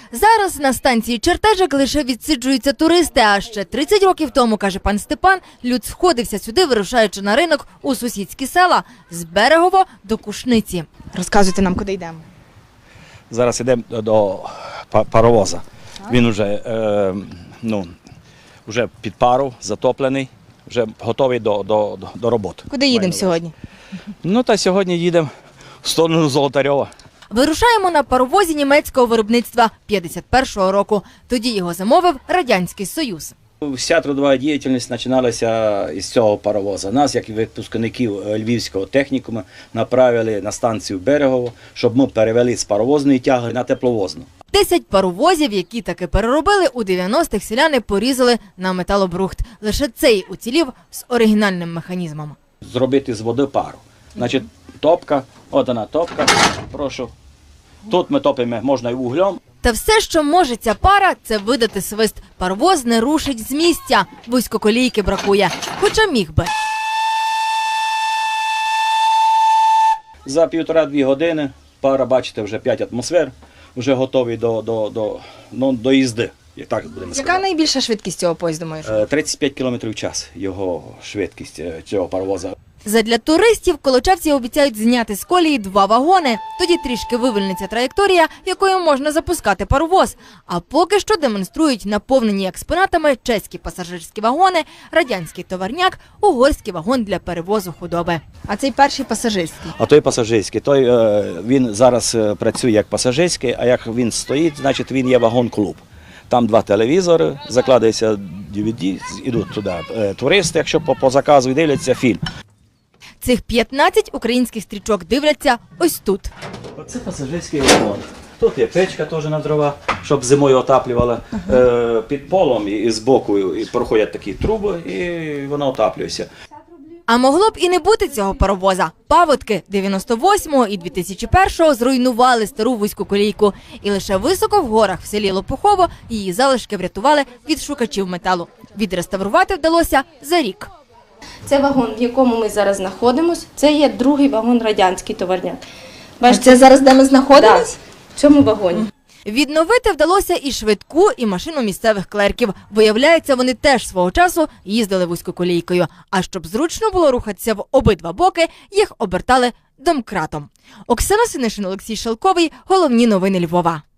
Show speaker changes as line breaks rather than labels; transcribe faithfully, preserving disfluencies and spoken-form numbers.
Зараз на станції Чертежик лише відсиджуються туристи, а ще тридцять років тому, каже пан Степан, люд сходився сюди, вирушаючи на ринок у сусідські села з Берегово до Кушниці.
Розказуйте нам, куди йдемо.
Зараз йдемо до паровоза. Він вже, е, ну, вже під пару, затоплений, вже готовий до, до, до роботи.
Куди їдемо сьогодні?
Ну, та сьогодні їдемо в сторону Золотарьова.
Вирушаємо на паровозі німецького виробництва п'ятдесят першого року. Тоді його замовив Радянський Союз.
Вся трудова діяльність починалася із цього паровоза. Нас, як і випускників Львівського технікуму, направили на станцію Берегово, щоб ми перевели з паровозної тяги на тепловозну.
Десять паровозів, які таки переробили, у дев'яностих селяни порізали на металобрухт. Лише цей уцілів з оригінальним механізмом.
Зробити з води пару. Значить, топка, от вона топка, прошу. Тут ми топимо, можна і вуглем.
Та все, що може ця пара, це видати свист. Паровоз не рушить з місця, вузькоколійки бракує, хоча міг би.
За півтора-дві години пара, бачите, вже п'ять атмосфер, вже готові до, до, до, ну, до їзди. Як так будемо
Яка
сказати.
найбільша швидкість цього поїзду, маєш?
Е, тридцять п'ять кілометрів в час його швидкість е, цього паровоза.
Задля туристів колочавці обіцяють зняти з колії два вагони. Тоді трішки вивільниться траєкторія, якою можна запускати паровоз. А поки що демонструють наповнені експонатами чеські пасажирські вагони, радянський товарняк, угорський вагон для перевозу худоби.
А цей перший пасажирський.
А той пасажирський, той, е, він зараз е, працює як пасажирський, а як він стоїть, значить він є вагон-клуб. Там два телевізори, закладається ді ві ді, йдуть туди е, туристи, якщо по, по заказу дивляться фільм.
Цих п'ятнадцять українських стрічок дивляться ось тут.
Оце пасажирський вагон. Тут є печка теж на дрова, щоб зимою отаплювала. Е, під полом і з боку і проходять такі труби, і воно отаплюється.
А могло б і не бути цього паровоза. Паводки дев'яносто восьмого і дві тисячі першого зруйнували стару вузьку колійку. І лише високо в горах в селі Лопухово її залишки врятували від шукачів металу. Відреставрувати вдалося за рік.
Це вагон, в якому ми зараз знаходимося. Це є другий вагон радянський товарняк.
А це зараз, де ми знаходимося?
Так, в цьому вагоні.
Відновити вдалося і швидку, і машину місцевих клерків. Виявляється, вони теж свого часу їздили вузькоколійкою. А щоб зручно було рухатися в обидва боки, їх обертали домкратом. Оксана Синишин, Олексій Шелковий. Головні новини Львова.